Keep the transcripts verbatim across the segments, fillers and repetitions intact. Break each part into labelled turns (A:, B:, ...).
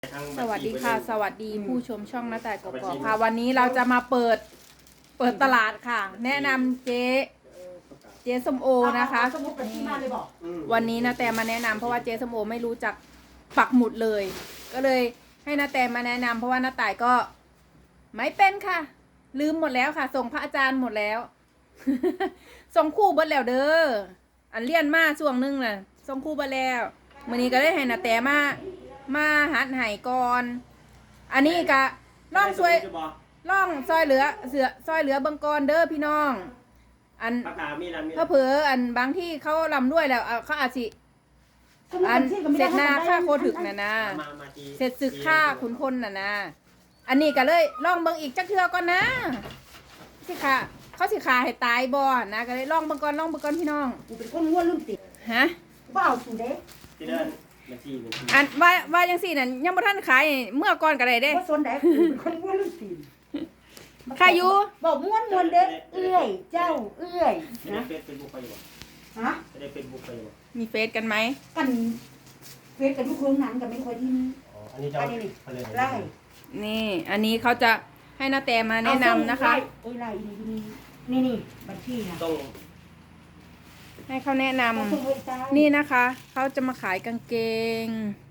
A: สวัสดีค่ะสวัสดีผู้ชมช่องหน้าแต่กกอกค่ะวันนี้เราจะมาเปิดเปิดตลาดค่ะแนะนำเจ๊เจ๊ส้มโอนะคะวันนี้นาแต่มาแนะนำเพราะว่าเจ๊ส้มโอไม่รู้จักปักหมุดเลย ก็เลยให้นาแต่มาแนะนำเพราะว่านาแต่ก็ไม่เป็นค่ะลืมหมดแล้วค่ะ ส่งพระอาจารย์หมดแล้ว ส่งคู่เบิดแล้วเด้ออันเลี่ยนมาช่วงนึงน่ะส่งคู่เบิดแล้วมื้อนี้ก็ได้ให้นาแต่มามาหัดไห้ก่อน อันนี้ก็ล่องซวยล่องซอยเหลือเสือซอยเหลือเบิงกอนเด้อพี่น้อง อันเขาเผลออันบางที่เขาลำด้วยแล้วเขาอาจสิอันเสร็จหน้าค่าโคถึกน่ะนะเสร็จศึกค่าขุนพลน่ะนะอันนี้ก็เลยล่องเบิงอีกจักเทือก่อนนะสิค่ะเขาสิขาให้ตายบ่นะก็เลยล่องเบิงก่อนล่องเบิงก่อนพี่น้อง
B: กูเป็นคนง่วนลืมติด
A: ฮะ
B: บ้าสุดเด้
A: อันว่าว่าจังซี่นั่นยังบ่ทันขายเมื่อก่อนก็ได้เด้
B: บ่สนได้กูเป็นคนง่วนลืมติด
A: ใครอยู่
B: บอกม่วนม่วนเด้เอื้อยเจ้าเอื้อยนะ
C: เฟซบุ๊กไปอยู่
B: ฮะ
C: จะได้เฟซบุ๊กไปอยู่
A: มีเฟซกันไหม
B: กันเฟซกันทุกโรงหนังกันไม่ค่อยที่
C: อ๋ออันนี้จะ
B: ไล่
A: นี่อันนี้เขาจะให้นาแต่มาแนะนำนะคะ
B: โอ้ยไล่นี่นี่บัญชีนะ
C: ต้อง
A: ให้เขาแนะนำนี่นะคะเขาจะมาขายกางเกง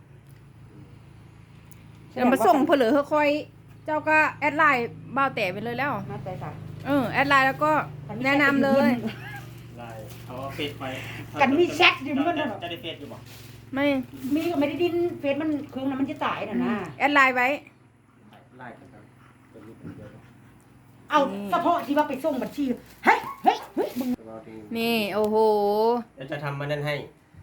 A: จะมาส่งเพลือค่อยเจ้าก็แอดไลน์บ่าวแต่ไปเลยแล้ว
B: มาแต่ค่ะ
A: เออแอดไลน์แล้วก็แนะนำเลย
C: ไลน์เอาเฟซไป
B: กันมีแชทอยู่มัน
C: จะได้เฟซอยู่บ่
A: ไม่
B: มีก็ไม่ได้ดิ้นเฟซมันเครื่องนั้นมันจะตายน่ะนะ
A: แอดไลน์ไว้
C: ไลน์ครับ
B: เอาเฉพาะที่ว่าไปส่งบัญชีเฮ้ยเฮ้ยเฮ้ย
A: นี่โอ้โห
C: เดี๋ยวจะทำมานั่นให้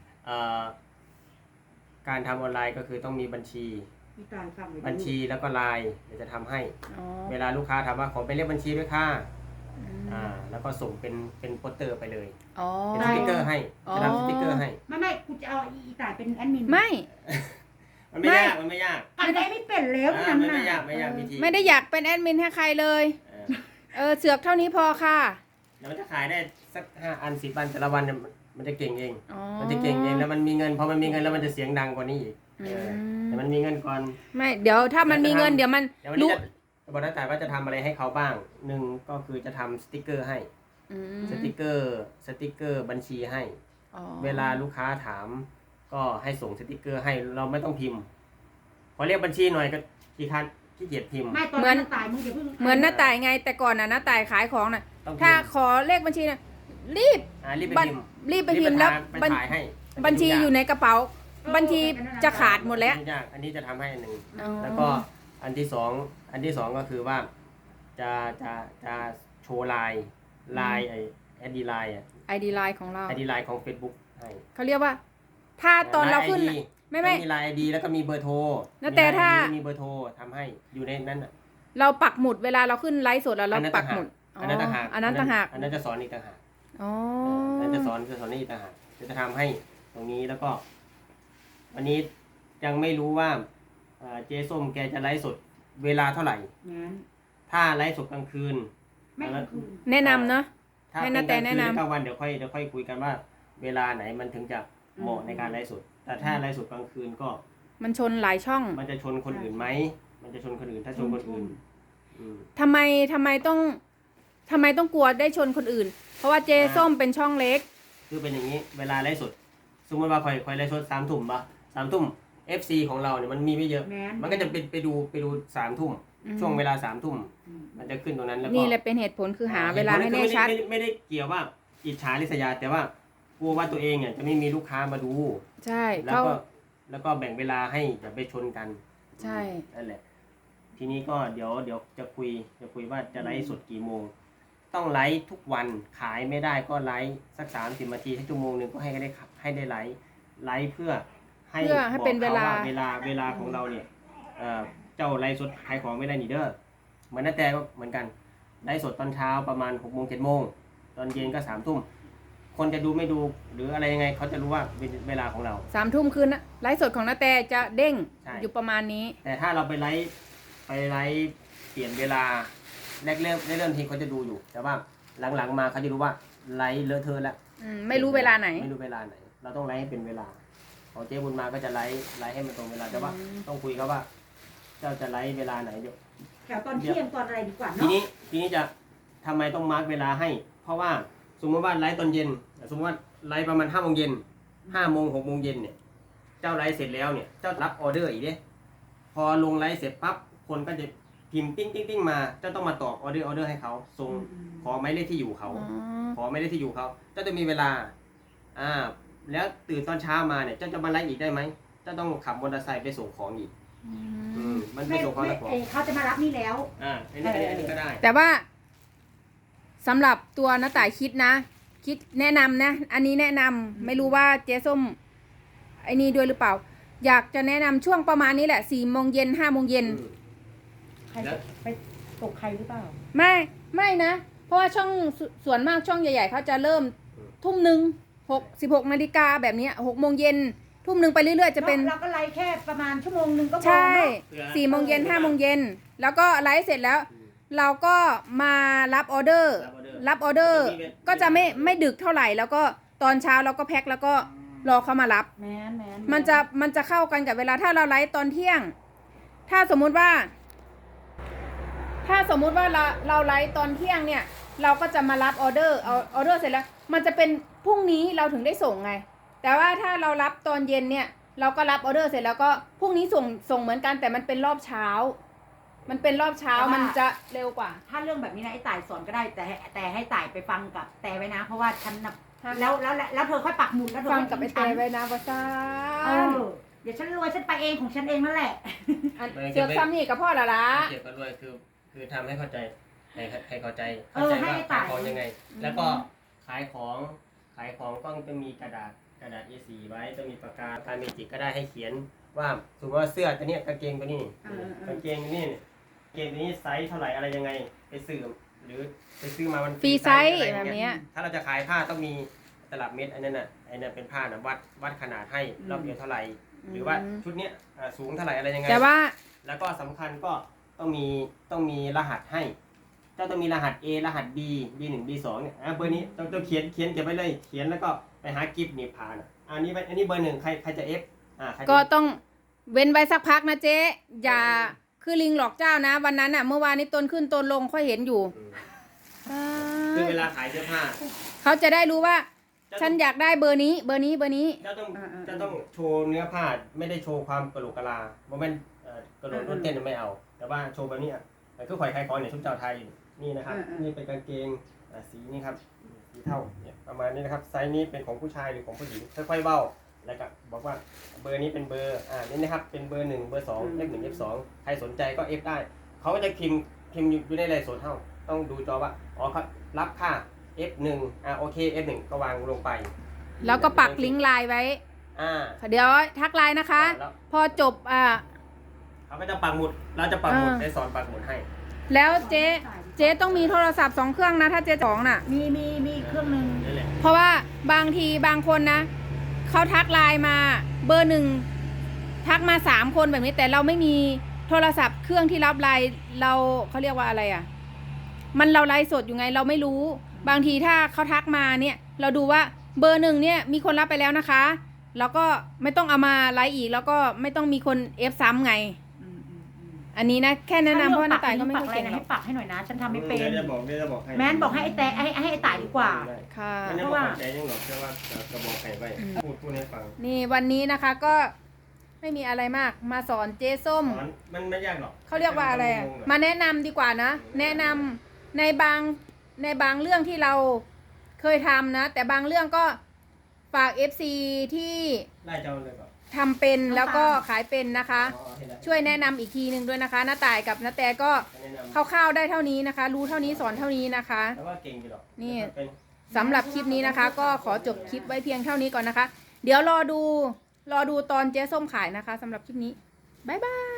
C: การทำออนไลน์ก็คือต้องมีบัญชีบัญชีแล้วก็ไลน์เดี๋ยวจะทำให้เวลาลูกค้าถามว่าขอไปเลขบัญชีด้วยค่ะอ่าแล้วก็ส่งเป็นเป็นโปสเตอร์ไปเลยเป็นสติ๊กเกอร์ให้จะทำสติ๊กเกอร์ให้
B: ไม่ไม่กูจะเอาอีตายเป็นแอดมิน
A: ไม่
C: มันไม่ยากมันไม่ยาก
B: อันไหนไม่เป็นแล้ว
C: นั่นน่ะไม่ยากไม่ยากวิธี
A: ไม่ได้อยากเป็นแอดมินให้ใครเลยเออเสือกเท่านี้พอค่ะ
C: แล้วมันจะขายได้สักห้าอันสิบอันแต่ละวันเนี่ยมันจะเก่งเองมันจะเก่งเองแล้วมันมีเงินพอมันมีเงินแล้วมันจะเสียงดังกว่านี้อีกแต่มันมีเงินก่อน
A: ไม่เดี๋ยวถ้ามันมีเงินเดี๋ยวมัน
C: รู้จะบอกนักแต่ว่าจะทำอะไรให้เขาบ้างหนึ่งก็คือจะทำสติ๊กเกอร์ให้สติ๊กเกอร์สติ๊กเกอร์บัญชีให้เวลาลูกค้าถามก็ให้ส่งสติ๊กเกอร์ให้เราไม่ต้องพิมพ์พอเรียกบัญชีหน่อยก็ขี้คันขี้เกียจพิมพ์
A: เหมือนเหมือนหน้าต่ายไงแต่ก่อนน่ะหน้าต่ายขายของน่ะถ้าขอเลขบัญชีน่ะรีบ
C: รีบไปพิมพ์
A: รีบไปพิมพ์แล้วบัญชีอยู่ในกระเป๋าบัญชีจะขาดหมดแล้ว
C: อันนี้จะทำให้อันหนึ่งแล้วก็อันที่สองอันที่สองก็คือว่าจะจะจะโชว์ไลน์ไลน์ไอไอดีไลน์อ่ะ
A: ไอดีไลน์ของเรา
C: ไอดีไลน์ของ Facebook ให้
A: เขาเรียกว่าถ้าตอนเราขึ้นไม่ไม่
C: มีไลน์ไอดีแล้วก็มีเบอร์โทร
A: แต่ถ้า
C: มีเบอร์โทรทำให้อยู่ในนั้นอ่ะ
A: เราปักหมุดเวลาเราขึ้นไลฟ์สดแล้วเราปักหมุด
C: อันนั้นต่างหาก
A: อันนั้นต่างหาก
C: อันนั้นจะสอนอีกต่างหาก
A: อ๋อ
C: อันนั้นจะสอนจะสอนอีกต่างหากจะทำให้ตรงนี้แล้วก็วันนี้ยังไม่รู้ว่าเจ๊ส้มแกจะไลฟ์สดเวลาเท่าไหร่ถ้าไลฟ์สดกลางคืน
A: แนะนำเนาะ
C: ให้นาแต่แนะนำกลางวันเดี๋ยวค่อยเดี๋ยวค่อยคุยกันว่าเวลาไหนมันถึงจะเหมาะในการไลฟ์สดแต่ถ้าไลฟ์สดกลางคืนก็
A: มันชนหลายช่อง
C: มันจะชนคนอื่นไหมมันจะชนคนอื่นถ้าชนคนอื่น
A: ทำไมทำไมต้องทำไมต้องกลัวได้ชนคนอื่นเพราะว่าเจ๊ส้มเป็นช่องเล็ก
C: คือเป็นอย่างนี้เวลาไลฟ์สดสมมติว่าคอยคอยไลฟ์สดสามทุ่มป่ะสามทุ่มเอฟซีของเราเนี่ยมันมีไม่เยอะมันก็จะไปไปดูไปดูสามทุ่มช่วงเวลาสามทุ่มมันจะขึ้นตรงนั้นแล้วก็
A: นี่แหละเป็นเหตุผลคือหาเวลาให้แน่ชัด
C: ไม่ได้เกี่ยวว่าอิจฉาริษยาแต่ว่ากลัวว่าตัวเองเนี่ยจะไม่มีลูกค้ามาดู
A: ใช่
C: แล้วก็แล้วก็แบ่งเวลาให้จะไปชนกัน
A: ใช่
C: นั่นแหละทีนี้ก็เดี๋ยวเดี๋ยวจะคุยจะคุยว่าจะไลฟ์สดกี่โมงต้องไลฟ์ทุกวันขายไม่ได้ก็ไลฟ์สักสามสิบนาทีให้ชั่วโมงหนึ่งก็ให้ได้ให้ได้ไลฟ์ไลฟ์เพื่อให้
A: ให้เป็นเวลา
C: เวลาเวลาของเราเนี่ยเจ้าไลฟ์สดขายของไม่ได้นี่เด้อเหมือนน้าแต่ก็เหมือนกันไลฟ์สดตอนเช้าประมาณหกโมงเจ็ดโมงตอนเย็นก็สามทุ่มคนจะดูไม่ดูหรืออะไรยังไงเขาจะรู้ว่าเป็นเวลาของเรา
A: สามทุ่มคืนนะไลฟ์สดของน้าแต่จะเด้งอยู่ประมาณนี้
C: แต่ถ้าเราไปไลฟ์ไปไลฟ์เปลี่ยนเวลาแรกเริ่มเริ่มทีเขาจะดูอยู่แต่ว่าหลังๆมาเขาจะรู้ว่าไลฟ์เลอะเทอะแล้ว
A: ไม่รู้เวลาไหน
C: ไม่รู้เวลาไหนเราต้องไลฟ์ให้เป็นเวลาของเจ๊บุญมาก็จะไลฟ์ไลฟ์ให้มันตรงเวลาแต่ว่าต้องคุยเขาว่าเจ้าจะไลฟ์เวลาไหนเดี๋ยว
B: แถวตอนเที่ยงตอนอะไรดีกว่า
C: ที
B: เนาะ
C: นี้ทีนี้จะทำไมต้องมาร์กเวลาให้ เพราะว่าสมมติว่าไลฟ์ตอนเย็น สมมติว่าไลฟ์ประมาณห้าโมงเย็นห้าโมงหกโมงเย็นเนี่ยเจ้าไลฟ์เสร็จแล้วเนี่ยเจ้ารับออเดอร์อีกเนี่ยพอลงไลฟ์เสร็จปั๊บคนก็จะพิมพ์ติ้งติ้งติ้งมาเจ้าต้องมาตอบออเดอร์ออเดอร์ให้เขาส่งขอหมายเลขที่อยู่เขา
A: อ๋อ
C: ขอหมายเลขที่อยู่เขาเจ้าจะมีเวลาอ่าแล้วตื่นตอนเช้ามาเนี่ยเจ้าจะมาไลฟ์อีกได้ไหมเจ้าต้องขับมอเตอร์ไซค์ไปส่งของอีก
A: อื
C: อื
A: ม
C: มมันไป
B: ไม่
C: ส่งของ
B: ไม่
C: แล้วของ
B: เอ่อเขาจะมารับนี่แล้ว
C: อ่าอันนี้อันนี้อันนี้ก็ได้
A: แต่ว่าสำหรับตัวน้าต่ายคิดนะ คิดแนะนำนะ อันนี้แนะนำไม่รู้ว่าเจ๊ส้มไอ้นี่ด้วยหรือเปล่า อยากจะแนะนำช่วงประมาณนี้แหละสี่โมงเย็นห้าโมงเย็น
C: อืม
B: ใครจะไปตกใครหรือเปล่า
A: ไม่ไม่นะ เพราะว่าช่องสส่วนมากช่องใหญ่ๆเขาจะเริ่มทุ่มหนึ่งหกสิบหกนาฬิกาแบบเนี้ยหกโมงเย็นทุ่มหนึ่งไปเรื่อยๆจะเป็น
B: เราก็ไลฟ์แค่ประมาณชั่วโมงหนึ่งก็พอ
A: ใช่
B: เนาะ
A: สี่โมงเย็นห้าโมงเย็นแล้วก็ไลฟ์เสร็จแล้ว
C: อืม
A: เราก็มารับออเดอร์
C: รับออเดอร์
A: รับออเดอร์ก็จะไม่ไม่ดึกเท่าไหร่ แล้วก็ตอนเช้าเราก็แพ็คแล้วก็รอเขามารับ
B: แมนแมน
A: มันจะมันจะเข้ากันกับเวลาถ้าเราไลฟ์ตอนเที่ยง ถ้าสมมุติว่า ถ้าสมมุติว่าเราเราไลฟ์ตอนเที่ยงเนี่ย เราก็จะมารับออเดอร์เอาออเดอร์เสร็จแล้ว มันจะเป็นพรุ่งนี้เราถึงได้ส่งไง แต่ว่าถ้าเรารับตอนเย็นเนี่ย เราก็รับออเดอร์เสร็จแล้วก็พรุ่งนี้ส่งส่งเหมือนกันแต่มันเป็นรอบเช้า มันเป็นรอบเช้ามันจะเร็วกว่า
B: ถ้าเรื่องแบบนี้นะไอ้ต่ายสอนก็ได้แต่ให้แต่ให้ต่ายไปฟังกับแต่ไว้นะ เพราะว่าฉันน่ะ
A: ฮะ
B: แล้วแล้วแล้วแล้วเธอค่อยปักหมุดแล้วเธอ
A: ฟัง
B: ค่อย
A: กับไอ
B: ทิ้
A: เต
B: ฉัน
A: ไว้นะว่าซ่า
B: เออเดี๋ยวฉันรวยฉันไปเองของฉันเองนั่นแหละ
A: อันเสือกซ้ำนี่กับพ่อละละ
C: เกี่ยวกับรวยคือคือทำให้เข้าใจให้ให้เข้าใจ
B: เอ
C: เข้า
B: อ
C: ใจ
B: ให้
C: ว่า
B: ต่า
C: ขาย ยของยังไง แล้วก็ขายของขายของก็จะมีกระดาษกระดาษ เอ สี่ ไว้จะมีปากกาการเมจิกก็ได้ให้เขียนว่าสมมติว่าเสื้อตัวเนี้ยกางเกงตัวนี้
B: เออเออ
C: กางเกงตัวนี้เนี่ยกางเกงตัวนี้ไซส์เท่าไหร่อะไรยังไงไปซื้อหรือไปซื้อมามัน
A: ฟรีไซส์
C: อะไร
A: แบบ
C: เงี้
A: เนี้ย
C: ยถ้าเราจะขายผ้าต้องมีตลับเม็ดอันนั้นน่ะไอ้นั่นเป็นผ้านะวัดวัดขนาดให้รอบเดียวเท่าไหร่หรือว่าชุดเนี้ยอ่าสูงเท่าไหร่อะไรยังไง
A: แต่ว่า
C: แล้วก็สำคัญก็ต้องมีต้องมีรหัสให้ เจ้าต้องมีรหัส A รหัส B B หนึ่ง B สองเนี่ยอ่ะเบอร์นี้ต้องต้องเขียนเขียนเก็บไว้เลย เขียนแล้วก็ไปหากิฟต์หนีบผ่านอ่ะอันนี้ไว้อันนี้เบอร์หนึ่งใครใครจะ F อ่าใครจะ
A: ก็ต้องเว้นไว้สักพักนะเจ๊อย่าคือลิงหลอกเจ้านะ วันนั้นอ่ะ เมื่อวานนี้ต้นขึ้นต้นลงค่อยเห็นอยู่
C: อืมคือเวลาขายเสื้อผ้า
A: เขาจะได้รู้ว่า
C: เจ้า
A: ฉันอยากได้เบอร์นี้ เบอร์นี้เบอร์นี้
C: เจ้าต้องเจ้าต้องโชว์เนื้อผ้าไม่ได้โชว์ความกระโหลกกะลาเพราะมันเอ่อกระโดดรถเต้นไม่เอา แต่ว่าโชว์แบบนี้อ่ะมันคือข่อยขายของเนี่ยชุดเจ้าไทยนี่นะครับนี่เป็นกางเกงอ่ะสีนี่ครับสีเท่าเนี่ยประมาณนี้นะครับไซส์นี้เป็นของผู้ชายหรือของผู้หญิงค่อยๆเบ้าแล้วก็บอกว่าเบอร์นี้เป็นเบอร์อ่านี่นะครับเป็นเบอร์หนึ่งเบอร์สองเลขหนึ่งเลขสองใครสนใจก็เอฟได้เขาก็จะพิมพ์พิมพ์อยู่ในไลน์สดเท่าต้องดูจอว่าอ๋อเขารับค่า เอฟ หนึ่งอ่าโอเค เอฟ หนึ่งก็วางลงไป
A: แล้วก็ปักลิงก์ไลน์ไว้
C: อ่า
A: เดี๋ยวทักไลน์นะคะ
C: แล้ว
A: พอจบอ่า
C: เขาก็จะปักหมุดเราจะปักหมุด
A: อ่า
C: ได้สอนปักหมุดให้
A: แล้วเจ๊เจ๊ต้องมีโทรศัพท์สองเครื่องนะ ถ้าเจ๊สองน่ะ
B: มีมีมีอีกเครื่องหนึ่ง
C: นี่แหละ
A: เพราะว่าบางทีบางคนนะเขาทักไลน์มาเบอร์หนึ่งทักมาสามคนแบบนี้แต่เราไม่มีโทรศัพท์เครื่องที่รับไลน์เราเขาเรียกว่าอะไรอ่ะ มันเราไลฟ์สดอยู่ไงเราไม่รู้ บางทีถ้าเขาทักมาเนี่ย เราดูว่าเบอร์หนึ่งเนี่ยมีคนรับไปแล้วนะคะแล้วก็ไม่ต้องเอามาไลฟ์อีก แล้วก็ไม่ต้องมีคนเอฟซ้ำไง
B: อืมอืมอืม
A: อันนี้นะแค่แนะนำเพราะว่าน้าต่ายก็ไม่
B: ปั
A: ค่อย
B: อะไร
A: เก่ง
B: นะ
A: หรอ
B: ให้
A: ก
B: ปักให้หน่อยนะ ฉันทำไม่เป็น
C: เดี๋ยวจะบอกเดี๋ยวจะบอกให้
B: แม้นบอกให้ไอ้แต่ให้ให้ไอ้ต่ายดีกว่า
C: ได้
A: ค่ะ
C: มันยัง
B: เพราะ
C: บอก
B: ว่า
C: ใจยังหรอกแค่ว่าจะจะบอกใครไว้พูดพูดให้ฟัง
A: นี่วันนี้นะคะก็ไม่มีอะไรมากมาสอนเจ๊ส้ม
C: สอนมันไม่ยากหรอก
A: เขาเรียกว่าอะไรอะมาแนะนำดีกว่านะ แนะนำในบางในบางเรื่องที่เราเคยทำนะ แต่บางเรื่องก็ฝาก เอฟ ซี ที่
C: ไล่เจ้าเลยก่อน
A: ทำเป็นแล้วก็ขายเป็นนะคะ
C: อ๋อเห็นแล้ว
A: ช่วยแนะนำอีกทีหนึ่งด้วยนะคะน้าต่ายกับน้าแต่ก็
C: แนะนำ
A: คร่าวๆได้เท่านี้นะคะ รู้เท่านี้สอนเท่านี้นะคะ
C: แต่ว่าเก่งอยู่หรอก
A: นี่
C: เป็น
A: สำหรับคลิปนี้นะคะ ก็ขอจบคลิปไว้เพียงเท่านี้ก่อนนะคะ เดี๋ยวรอดูรอดูตอนเจ๊ส้มขายนะคะสำหรับคลิปนี้บ๊ายบาย